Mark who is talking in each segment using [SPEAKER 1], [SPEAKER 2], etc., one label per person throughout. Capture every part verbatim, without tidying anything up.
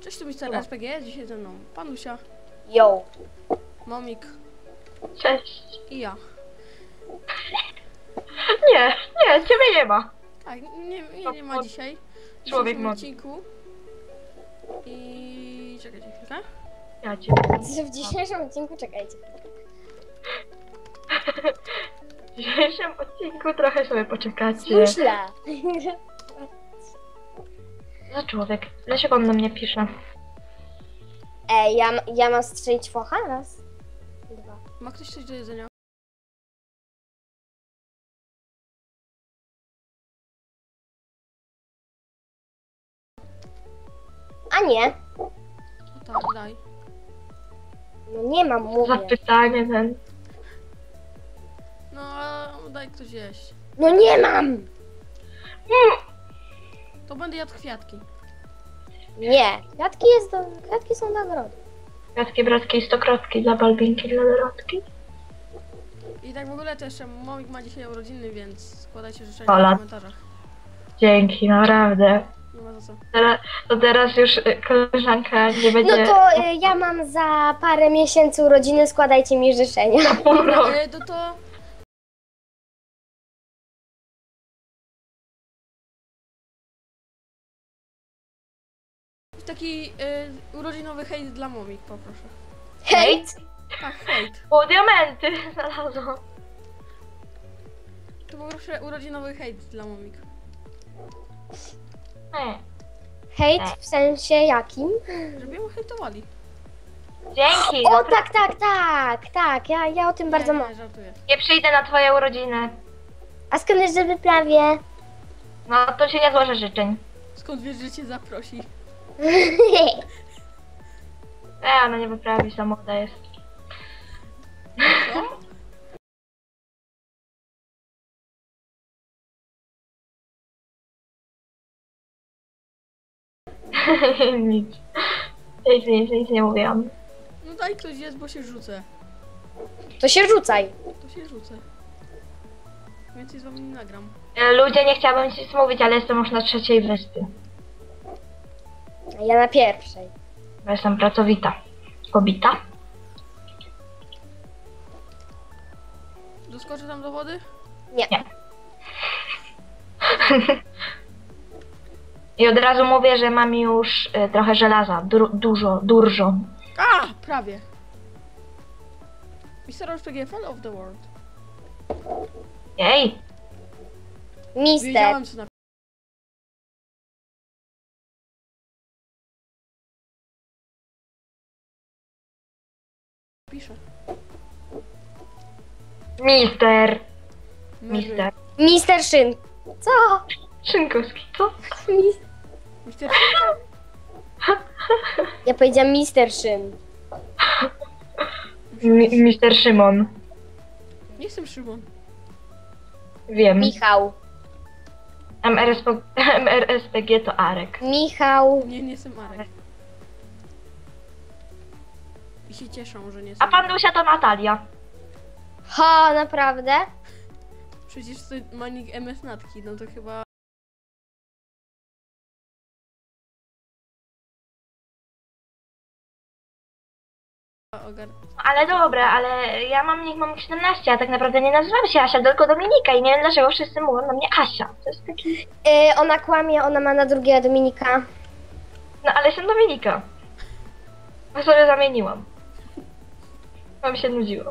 [SPEAKER 1] Cześć, tu mister R P G, dzisiaj ze mną Panusia,
[SPEAKER 2] Yo.
[SPEAKER 1] Momik
[SPEAKER 3] Cześć.
[SPEAKER 1] i ja.
[SPEAKER 3] Nie, nie, ciebie nie ma.
[SPEAKER 1] Tak, nie, nie, nie ma dzisiaj. W
[SPEAKER 3] Człowiek
[SPEAKER 1] dzisiejszym
[SPEAKER 3] mod.
[SPEAKER 1] odcinku. I czekajcie chwilkę.
[SPEAKER 3] Ja ciebie.
[SPEAKER 2] W dzisiejszym odcinku czekajcie.
[SPEAKER 3] W dzisiejszym odcinku trochę sobie poczekacie.
[SPEAKER 2] Myślę.
[SPEAKER 3] Za człowiek. Dlaczego on do mnie pisze?
[SPEAKER 2] Ej, ja, ja mam strzelić focha? Raz. Dwa.
[SPEAKER 1] Ma ktoś coś do jedzenia?
[SPEAKER 2] A nie.
[SPEAKER 1] O tak, daj.
[SPEAKER 2] No nie mam,
[SPEAKER 3] Za
[SPEAKER 2] mówię.
[SPEAKER 3] pytanie ten.
[SPEAKER 1] No, ale daj ktoś jeść.
[SPEAKER 2] No nie mam.
[SPEAKER 1] To będę jadł kwiatki.
[SPEAKER 2] Nie. Kwiatki jest do... Kwiatki są nagrody.
[SPEAKER 3] Kwiatki, bratki i stokrotki dla Balbinki, dla Dorotki.
[SPEAKER 1] I tak w ogóle też Momik ma dzisiaj urodziny, więc składajcie życzenia
[SPEAKER 3] Ola.
[SPEAKER 1] w komentarzach.
[SPEAKER 3] Dzięki, naprawdę.
[SPEAKER 1] Nie ma za co.
[SPEAKER 3] Teraz, to teraz już y, koleżanka nie będzie...
[SPEAKER 2] No to y, ja mam za parę miesięcy urodziny, składajcie mi życzenia.
[SPEAKER 3] Dobra.
[SPEAKER 1] E, to to... Taki e, urodzinowy hejt dla Momik, poproszę.
[SPEAKER 2] Hejt!
[SPEAKER 1] Tak, hejt.
[SPEAKER 3] O, diamenty znalazłam.
[SPEAKER 1] To poproszę urodzinowy hejt dla Momik.
[SPEAKER 3] Nie.
[SPEAKER 2] Hejt w sensie jakim?
[SPEAKER 1] Żeby ją hejtowali.
[SPEAKER 3] Dzięki.
[SPEAKER 2] O
[SPEAKER 3] no,
[SPEAKER 2] tak, tak, tak, tak. Ja, ja o tym bardzo
[SPEAKER 1] nie,
[SPEAKER 2] mam.
[SPEAKER 1] nie, żartuję.
[SPEAKER 3] Nie przyjdę na twoje urodziny.
[SPEAKER 2] A skąd wiesz, że wyprawię?
[SPEAKER 3] No to się nie złożę życzeń.
[SPEAKER 1] Skąd wiesz, że cię zaprosi?
[SPEAKER 3] E, ona nie wyprawi, za młoda jest.
[SPEAKER 1] Co?
[SPEAKER 3] Nic. Nic, nic, nic nie mówiłam.
[SPEAKER 1] No daj ktoś jest, bo się rzucę.
[SPEAKER 2] To się rzucaj.
[SPEAKER 1] To się rzucę. Więcej z wami nie nagram.
[SPEAKER 3] E, Ludzie, nie chciałabym nic mówić, ale jestem już na trzeciej wyspie.
[SPEAKER 2] A ja na pierwszej.
[SPEAKER 3] Bo jestem pracowita. Kobita.
[SPEAKER 1] Doskoczę tam do wody?
[SPEAKER 2] Nie.
[SPEAKER 3] Nie. I od razu mówię, że mam już y, trochę żelaza. Dur, dużo, dużo.
[SPEAKER 1] A! Prawie. mister R P G Fall of the World.
[SPEAKER 3] Jej.
[SPEAKER 2] Mister.
[SPEAKER 1] Wiedziałem co na... Piszę.
[SPEAKER 3] Mister.
[SPEAKER 1] Mary.
[SPEAKER 3] Mister.
[SPEAKER 2] Mister Szyn. Co?
[SPEAKER 3] Szynkowski, co?
[SPEAKER 2] Mis-
[SPEAKER 1] Mister...
[SPEAKER 2] Ja powiedziałam Mister Szyn.
[SPEAKER 3] Mi, Mister Szymon.
[SPEAKER 1] Nie jestem Szymon.
[SPEAKER 3] Wiem.
[SPEAKER 2] Michał.
[SPEAKER 3] M R S P, M R S P G to Arek.
[SPEAKER 2] Michał.
[SPEAKER 1] Nie, nie jestem Arek. I się cieszą, że nie
[SPEAKER 3] A
[SPEAKER 1] jestem.
[SPEAKER 3] pan Lusia to Natalia.
[SPEAKER 2] Ha, naprawdę?
[SPEAKER 1] Przecież to ma nick M S Natki, no to chyba... Ogar...
[SPEAKER 3] Ale dobra, ale ja mam nick mam siedemnaście, a tak naprawdę nie nazywam się Asia, tylko Dominika i nie wiem dlaczego wszyscy mówią na mnie Asia. To jest taki...
[SPEAKER 2] Yy, ona kłamie, ona ma na drugie Dominika.
[SPEAKER 3] No ale jestem Dominika. A sobie zamieniłam. Bo mi się nudziło.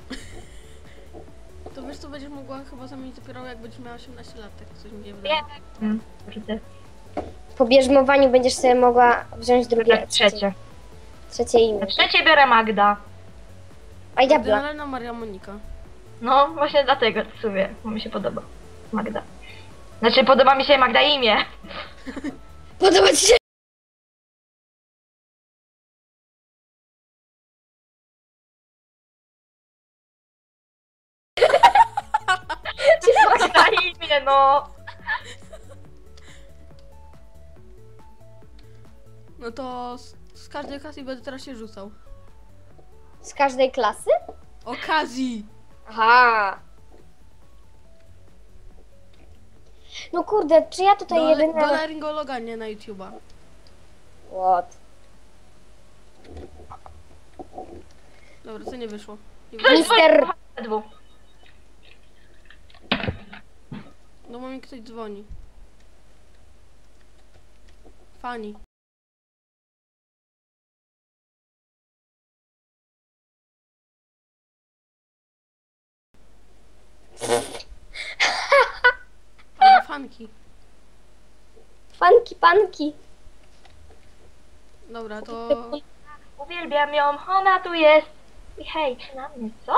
[SPEAKER 1] To wiesz co, będziesz mogła chyba zamienić dopiero jak będziesz miała osiemnaście lat, tak coś mi nie wydaje.
[SPEAKER 3] Nie. Hmm, kurde.
[SPEAKER 2] Po bierzmowaniu będziesz sobie mogła wziąć drugie,
[SPEAKER 3] Tak, trzecie.
[SPEAKER 2] trzecie imię.
[SPEAKER 3] Na trzecie biorę Magda.
[SPEAKER 2] A diabla.
[SPEAKER 1] Generalna Maria Monika.
[SPEAKER 3] No, właśnie dlatego w sumie, bo mi się podoba. Magda. Znaczy podoba mi się Magda imię.
[SPEAKER 2] Podoba ci się?
[SPEAKER 3] Magda imię, no.
[SPEAKER 1] No to z, z każdej okazji będę teraz się rzucał.
[SPEAKER 2] Z każdej klasy?
[SPEAKER 1] Okazji!
[SPEAKER 2] Aha. No kurde, czy ja tutaj
[SPEAKER 1] Do,
[SPEAKER 2] jedyna...
[SPEAKER 1] do laryngologa, nie na YouTube'a.
[SPEAKER 2] What?
[SPEAKER 1] Dobra, co nie wyszło? Nie
[SPEAKER 3] Ktoś
[SPEAKER 1] wyszło.
[SPEAKER 2] Mister-
[SPEAKER 3] dzwoni. Dwóch.
[SPEAKER 1] No bo mi ktoś dzwoni. Fani. Albo fanki.
[SPEAKER 2] Fanki, panki.
[SPEAKER 1] Dobra, to...
[SPEAKER 3] Uwielbiam ją, ona tu jest. I hej, na mnie, co?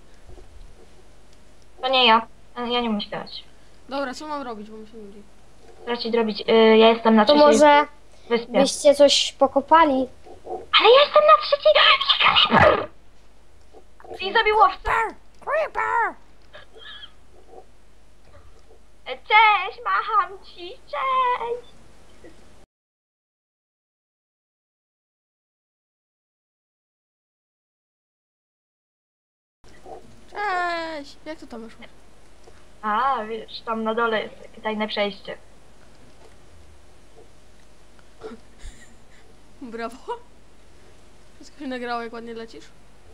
[SPEAKER 3] To nie ja. Ja nie umiem śpiewać.
[SPEAKER 1] Dobra, co mam robić, bo mi się nudzi.
[SPEAKER 3] Trzeba ci zrobić. Y, ja jestem na
[SPEAKER 2] To
[SPEAKER 3] trzeciej
[SPEAKER 2] może
[SPEAKER 3] wyspie.
[SPEAKER 2] byście coś pokopali?
[SPEAKER 3] Ale ja jestem na trzeciej. Creeper! I zabił łowcę.
[SPEAKER 1] Creeper!
[SPEAKER 3] Cześć, macham ci, cześć.
[SPEAKER 1] Cześć! Jak to tam wyszło?
[SPEAKER 3] A, wiesz, tam na dole jest takie tajne przejście.
[SPEAKER 1] Brawo. Wszystko się nagrało, jak ładnie lecisz.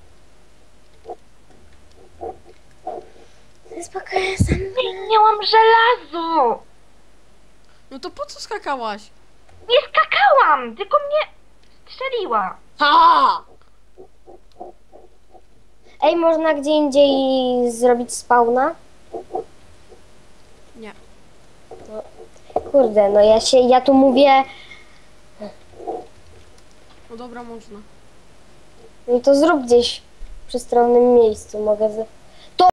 [SPEAKER 2] Spokojnie, jestem.
[SPEAKER 3] Nie, nie mam żelazu.
[SPEAKER 1] No to po co skakałaś?
[SPEAKER 3] Nie skakałam, tylko mnie strzeliła.
[SPEAKER 2] Ha! Ej, można gdzie indziej zrobić spawna?
[SPEAKER 1] Nie.
[SPEAKER 2] Kurde, no ja się, ja tu mówię,
[SPEAKER 1] No dobra, można.
[SPEAKER 2] no to zrób gdzieś w przestronnym miejscu, mogę z... To...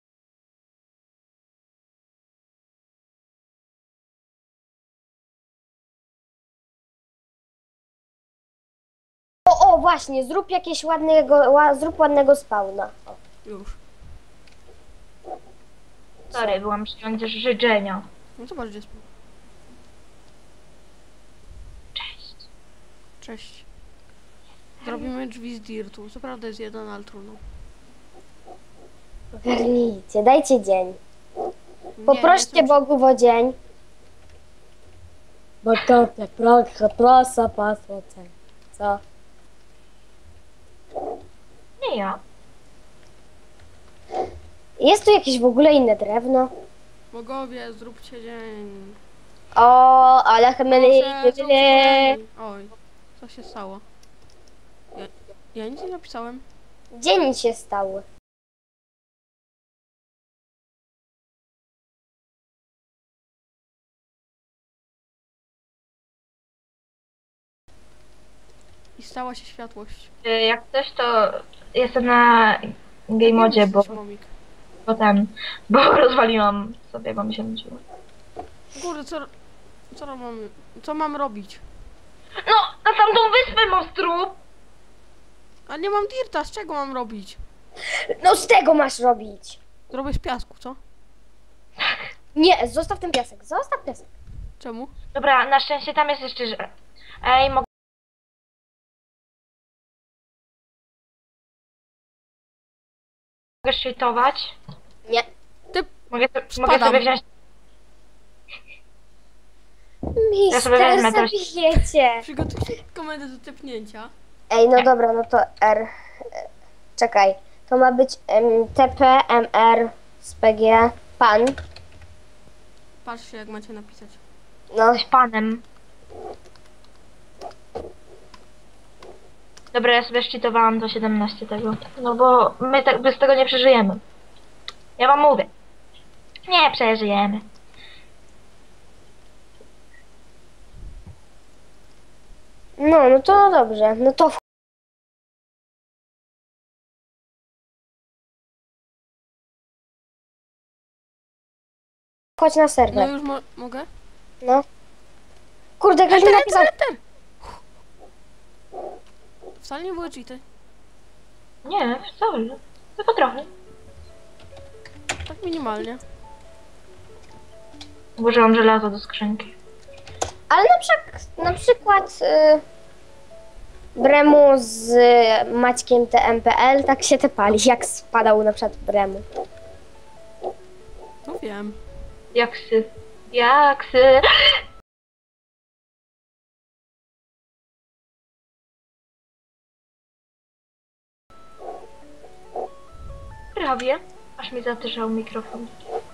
[SPEAKER 2] O, o, właśnie, zrób jakieś ładnego, ła, zrób ładnego spawna. O.
[SPEAKER 1] Już.
[SPEAKER 3] Sorry, byłam przyjąć życzenia.
[SPEAKER 1] No zobacz, gdzie jest.
[SPEAKER 3] Cześć.
[SPEAKER 1] Cześć. Zrobimy drzwi z dirtu. Co prawda jest jeden, ale trudno.
[SPEAKER 2] Ogarnijcie, dajcie dzień.
[SPEAKER 1] Nie,
[SPEAKER 2] Poproście
[SPEAKER 1] nie jestem-
[SPEAKER 2] Bogów o dzień. Bo to tak proszę, proszę, pasło cen. Co?
[SPEAKER 3] Nie ja.
[SPEAKER 2] Jest tu jakieś w ogóle inne drewno?
[SPEAKER 1] Bogowie, zróbcie dzień.
[SPEAKER 2] O, ale chmyli,
[SPEAKER 1] Proszę,
[SPEAKER 2] chmyli.
[SPEAKER 1] zróbcie dzień. Oj, co się stało? Ja, ja nic nie napisałem.
[SPEAKER 2] Dzień się stał.
[SPEAKER 1] I stała się światłość.
[SPEAKER 3] Y, Jak coś, to jestem na game modzie, bo,
[SPEAKER 1] Jesteś, Momik.
[SPEAKER 3] bo ten, bo rozwaliłam sobie, bo mi się nudziło.
[SPEAKER 1] Kurde, co, co mam, co mam robić?
[SPEAKER 3] No, na tamtą wyspę, monstru!
[SPEAKER 1] A nie mam dirta, z czego mam robić?
[SPEAKER 2] No z tego masz robić.
[SPEAKER 1] Zrobię z piasku, co?
[SPEAKER 2] Nie, zostaw ten piasek, zostaw piasek.
[SPEAKER 1] Czemu?
[SPEAKER 3] Dobra, na szczęście tam jest jeszcze, że... Ej, mogę... Mogę szczytować?
[SPEAKER 2] Nie.
[SPEAKER 1] Ty,
[SPEAKER 3] Mogę, mogę
[SPEAKER 1] Spadam.
[SPEAKER 3] sobie wziąć... Ja sobie
[SPEAKER 2] Mister,
[SPEAKER 3] wezmę też.
[SPEAKER 2] zabijecie.
[SPEAKER 1] przygotuj się komendę do tepnięcia.
[SPEAKER 2] Ej, no dobra, no to R. E, Czekaj, to ma być em, T P M R z P G pan.
[SPEAKER 1] Patrzcie, jak macie napisać.
[SPEAKER 2] No,
[SPEAKER 3] z panem. Dobra, ja sobie szczytowałam do siedemnaście tego. No bo my tak bez tego nie przeżyjemy. Ja wam mówię. Nie przeżyjemy.
[SPEAKER 2] no, no to dobrze. No to wchodź na
[SPEAKER 1] No
[SPEAKER 2] serwer.
[SPEAKER 1] już mo mogę?
[SPEAKER 2] No. Kurde, ktoś mi napisał.
[SPEAKER 1] Enter! Wcale nie były cheaty.
[SPEAKER 3] Nie, wcale. Tylko trochę.
[SPEAKER 1] Tak minimalnie.
[SPEAKER 3] Włożyłam żelazo do skrzynki.
[SPEAKER 2] Ale na, przek- na przykład y, Bremu z Maćkiem T M P L tak się tepali, jak spadał na przykład Bremu.
[SPEAKER 1] No wiem.
[SPEAKER 3] Jaksy. Jaksy. robię? Aż mi zatyszał mikrofon.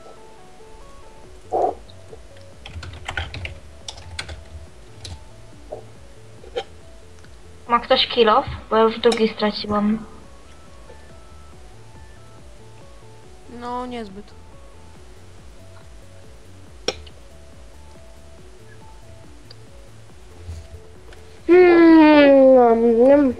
[SPEAKER 3] Ma ktoś kilof? Bo ja już drugi straciłam.
[SPEAKER 1] No, niezbyt.
[SPEAKER 2] Hmm, nom, nom.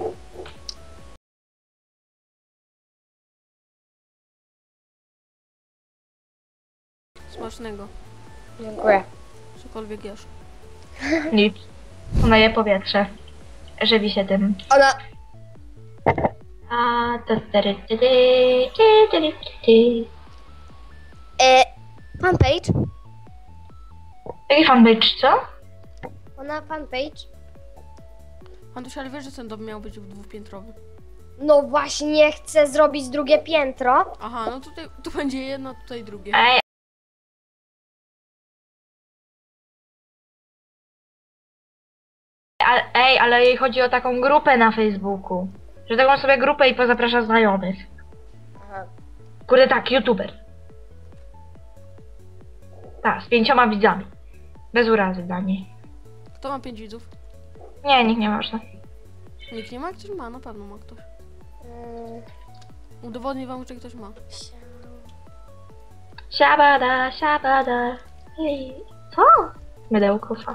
[SPEAKER 1] Smacznego.
[SPEAKER 2] Dziękuję.
[SPEAKER 1] Cokolwiek jesz.
[SPEAKER 3] Nic. Ona je powietrze. Żywi się tym.
[SPEAKER 2] Ona...
[SPEAKER 3] A to tery, ty, ty, ty, ty, ty.
[SPEAKER 2] E, fanpage?
[SPEAKER 3] Jaki fanpage, co?
[SPEAKER 2] Ona fanpage?
[SPEAKER 1] Antuś, ale wiesz, że ten dom miał być dwupiętrowy.
[SPEAKER 2] No właśnie, chcę zrobić drugie piętro.
[SPEAKER 1] Aha, no tutaj tu będzie jedno, tutaj drugie.
[SPEAKER 3] Ej, a, ej, ale jej chodzi o taką grupę na Facebooku. Że taką sobie grupę i pozaprasza znajomych.
[SPEAKER 2] Aha.
[SPEAKER 3] Kurde tak, youtuber. Tak, z pięcioma widzami. Bez urazy dla niej.
[SPEAKER 1] Kto ma pięć widzów?
[SPEAKER 3] Nie, nikt nie można.
[SPEAKER 1] Nikt nie ma? Ktoś ma, na pewno ma ktoś.
[SPEAKER 2] Mm,
[SPEAKER 1] Udowodnię wam, czy ktoś ma.
[SPEAKER 3] Siabada, siabada. Ej, co? Mydełko fa.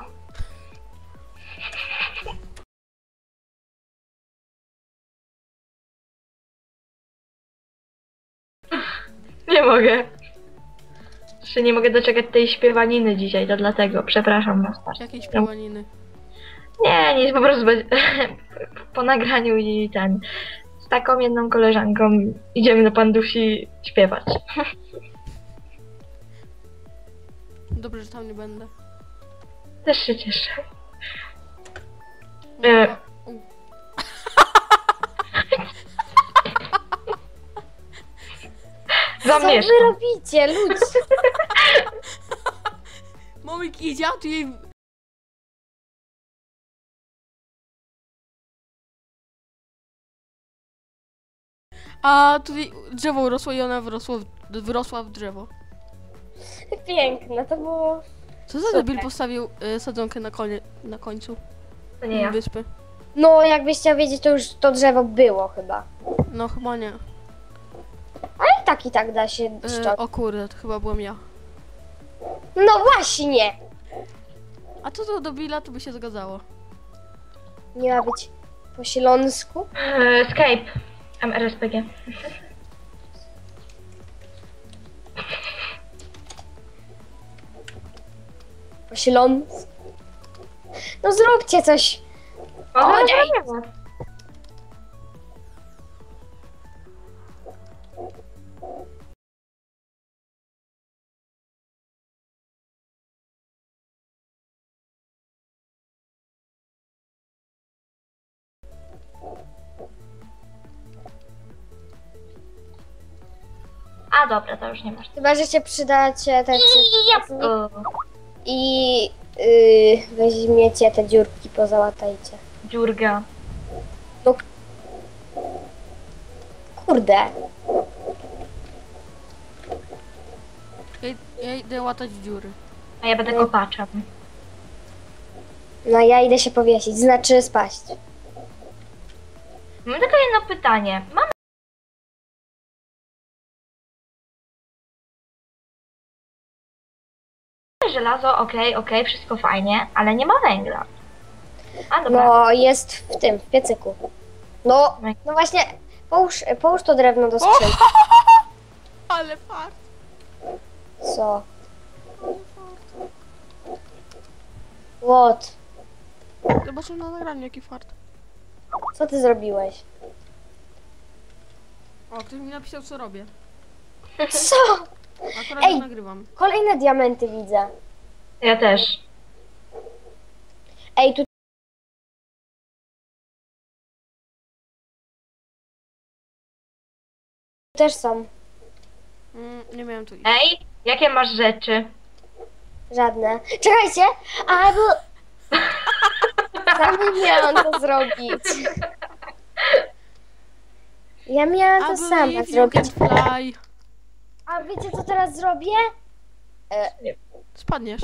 [SPEAKER 3] Nie mogę. Jeszcze nie mogę doczekać tej śpiewaniny dzisiaj, to dlatego. Przepraszam was bardzo.
[SPEAKER 1] Jakieś piłaniny.
[SPEAKER 3] Nie, nic, po prostu będzie, po nagraniu i ten. Z taką jedną koleżanką idziemy do Pandusi śpiewać.
[SPEAKER 1] Dobrze, że tam nie będę.
[SPEAKER 3] Też się cieszę.
[SPEAKER 1] No,
[SPEAKER 3] E.
[SPEAKER 1] u.
[SPEAKER 2] Co
[SPEAKER 3] Zamieszkam.
[SPEAKER 2] wy robicie, ludzie?
[SPEAKER 1] Momik idzie, a tu jej... A tutaj drzewo urosło i ona wyrosło, w- wyrosła w drzewo.
[SPEAKER 2] Piękne, to było...
[SPEAKER 1] Co za
[SPEAKER 2] Super.
[SPEAKER 1] debil postawił y, sadzonkę na, konie, na końcu
[SPEAKER 3] To nie ja.
[SPEAKER 1] wyspy?
[SPEAKER 2] No, jakbyś chciał wiedzieć, to już to drzewo było chyba.
[SPEAKER 1] No chyba nie.
[SPEAKER 2] Ale i tak i tak da się
[SPEAKER 1] Y,
[SPEAKER 2] szczot.
[SPEAKER 1] o kurde, to chyba byłem ja.
[SPEAKER 2] No właśnie!
[SPEAKER 1] A co to do Billa, to by się zgadzało.
[SPEAKER 2] Nie ma być po śląsku?
[SPEAKER 3] E, Skype. M R S P G.
[SPEAKER 2] Po śląsku? No zróbcie coś.
[SPEAKER 3] O,
[SPEAKER 2] O,
[SPEAKER 3] nie.
[SPEAKER 2] nie.
[SPEAKER 3] A dobra, to już nie masz.
[SPEAKER 2] Chyba, że się przydacie te
[SPEAKER 3] Jabłko.
[SPEAKER 2] i yy, weźmiecie te dziurki, pozałatajcie.
[SPEAKER 3] Dziurga.
[SPEAKER 2] Kurde.
[SPEAKER 1] Ja, ja idę łatać dziury.
[SPEAKER 3] A ja będę kopaczem.
[SPEAKER 2] No ja idę się powiesić, znaczy spaść.
[SPEAKER 3] Mam tylko jedno pytanie. Mamy żelazo, okej, okej, wszystko fajnie, ale nie ma węgla. A dobra.
[SPEAKER 2] No jest w tym, w piecyku. No, no właśnie, połóż, połóż to drewno do skrzynki.
[SPEAKER 1] Ale fart.
[SPEAKER 2] Co? What?
[SPEAKER 1] Zobaczę na nagraniu, jaki fart.
[SPEAKER 2] Co ty zrobiłeś?
[SPEAKER 1] O, ktoś mi napisał, co robię.
[SPEAKER 2] Co?
[SPEAKER 1] Akurat
[SPEAKER 2] Ej.
[SPEAKER 1] to nagrywam.
[SPEAKER 2] Kolejne diamenty widzę.
[SPEAKER 3] Ja też.
[SPEAKER 2] Ej, tu też są.
[SPEAKER 1] Mm, nie miałem tu iść.
[SPEAKER 3] Ej, jakie masz rzeczy?
[SPEAKER 2] Żadne. Czekajcie! Albo... Sam nie miałam to zrobić. Ja miałam
[SPEAKER 1] I
[SPEAKER 2] to sama
[SPEAKER 1] believe you can
[SPEAKER 2] zrobić.
[SPEAKER 1] fly.
[SPEAKER 2] A wiecie co teraz zrobię?
[SPEAKER 1] Spadniesz.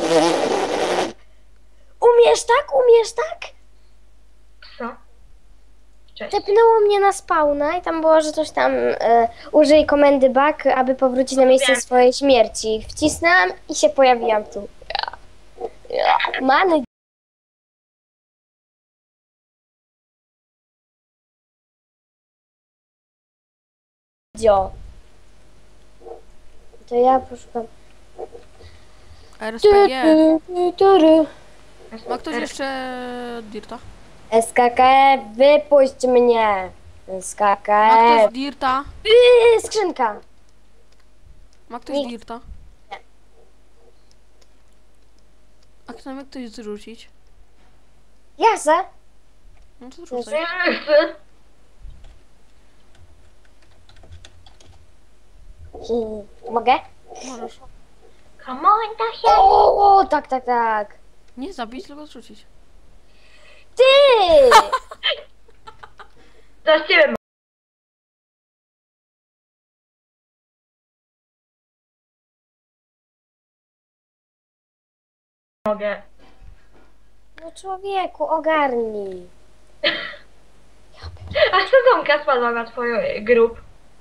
[SPEAKER 2] Umiesz tak? Umiesz tak?
[SPEAKER 3] Co? Cześć.
[SPEAKER 2] Tepnęło mnie na spawna i tam było, że coś tam e, użyj komendy back, aby powrócić na miejsce
[SPEAKER 3] Wiem.
[SPEAKER 2] swojej śmierci. Wcisnęłam i się pojawiłam tu. Many. Dzio. To ja poszukam.
[SPEAKER 1] R S
[SPEAKER 2] Tu,
[SPEAKER 1] P G.
[SPEAKER 2] tu, tu, tu, tu.
[SPEAKER 1] Ma ktoś jeszcze Dirta?
[SPEAKER 2] S K K F, wypuść mnie.
[SPEAKER 1] Ma ktoś
[SPEAKER 2] S K K F.
[SPEAKER 1] Dirta?
[SPEAKER 2] Yy, skrzynka.
[SPEAKER 1] Ma ktoś
[SPEAKER 2] Nikt.
[SPEAKER 1] Dirta?
[SPEAKER 2] Nie.
[SPEAKER 1] A kto mnie ktoś zrzucić?
[SPEAKER 2] Ja se.
[SPEAKER 1] No to
[SPEAKER 2] Jest.
[SPEAKER 1] zrzucaj.
[SPEAKER 3] Nie chcę.
[SPEAKER 2] Hmm, Mogę?
[SPEAKER 1] Możesz.
[SPEAKER 3] Come on, da się.
[SPEAKER 2] O, o, tak, tak, tak.
[SPEAKER 1] Nie zabić, tylko zrzucić.
[SPEAKER 2] Ty!
[SPEAKER 3] Za ciebie mogę.
[SPEAKER 2] No człowieku, ogarnij.
[SPEAKER 3] A sezonka spadła na twoją grup.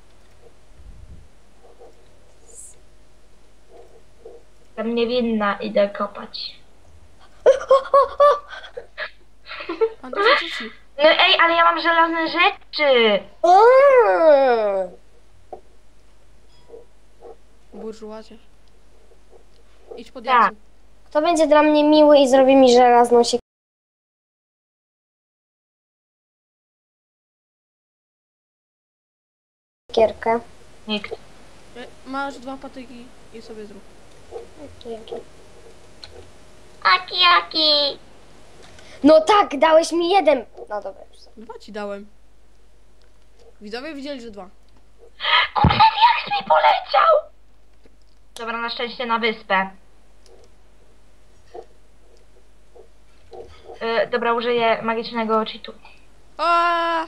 [SPEAKER 3] Tam niewinna, idę kopać.
[SPEAKER 1] Pan to zrzuci.
[SPEAKER 3] No ej, ale ja mam żelazne rzeczy.
[SPEAKER 2] Mm.
[SPEAKER 1] Burżuazie. Idź pod
[SPEAKER 3] Tak.
[SPEAKER 1] jasem.
[SPEAKER 2] Kto będzie dla mnie miły i zrobi mi żelazną siekierkę?
[SPEAKER 3] Nikt.
[SPEAKER 1] E, Masz dwa patyki i sobie zrób.
[SPEAKER 2] Dzięki.
[SPEAKER 3] Aki, aki.
[SPEAKER 2] No tak, dałeś mi jeden. No dobra, już sobie.
[SPEAKER 1] Dwa ci dałem. Widzowie widzieli, że dwa.
[SPEAKER 3] Kurde, jak mi poleciał. Dobra, na szczęście na wyspę. Yy, dobra, użyję magicznego cheatu.
[SPEAKER 1] Aaaa!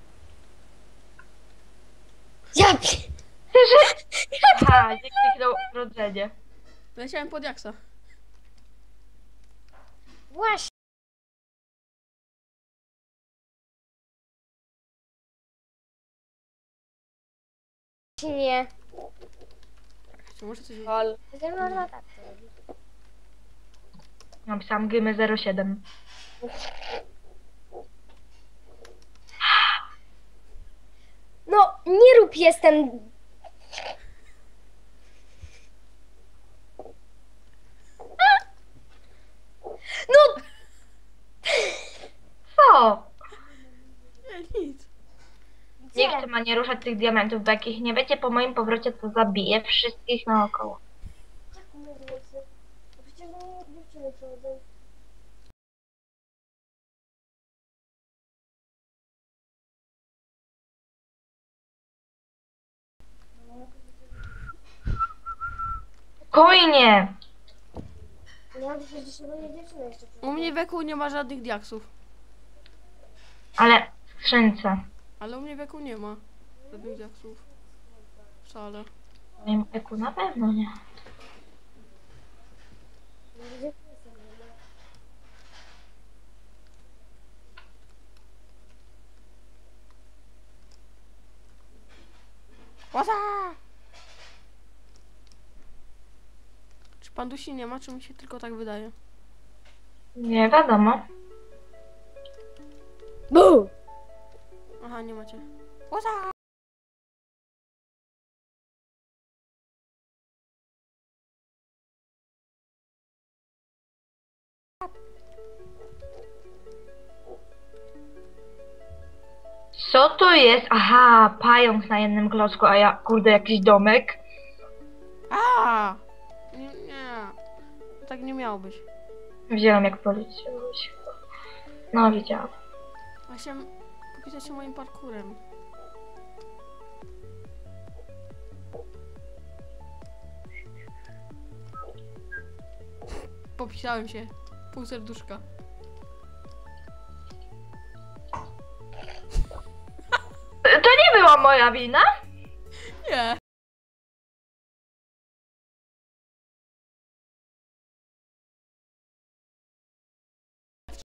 [SPEAKER 2] Ja pi-
[SPEAKER 3] Aha, nie kliknął rodzenie.
[SPEAKER 1] Leciałem pod jaksa.
[SPEAKER 2] Właśnie. Nie.
[SPEAKER 1] Czy może coś...
[SPEAKER 2] Lol. No, no, tak to robi.
[SPEAKER 3] Napisałam gymy zero siedem.
[SPEAKER 2] No, nie rób jestem. No,
[SPEAKER 3] Co?
[SPEAKER 1] Nie, nic.
[SPEAKER 3] Nikt ma nie ruszać tych diamentów, bo jak ich nie będzie po moim powrocie, to zabiję wszystkich naokoło. Spokojnie!
[SPEAKER 1] U mnie w eku nie ma żadnych diaksów.
[SPEAKER 3] Ale w skrzynce.
[SPEAKER 1] Ale u mnie w eku nie ma żadnych diaksów. Wcale.
[SPEAKER 3] W moim eku na pewno nie.
[SPEAKER 1] Łaza! Czy pan dusi nie ma, czy mi się tylko tak wydaje?
[SPEAKER 3] Nie wiadomo.
[SPEAKER 2] Bu!
[SPEAKER 1] Aha, nie macie. Łaza!
[SPEAKER 3] Co to jest? Aha, pająk na jednym klocku, a ja, kurde, jakiś domek.
[SPEAKER 1] A! Nie, nie. Tak nie miało być.
[SPEAKER 3] Widziałam, jak poleciałeś. No, widziałam.
[SPEAKER 1] Ja chciałem popisać się moim parkurem. Popisałem się. Pół serduszka.
[SPEAKER 3] To nie było była moja wina?
[SPEAKER 1] Nie.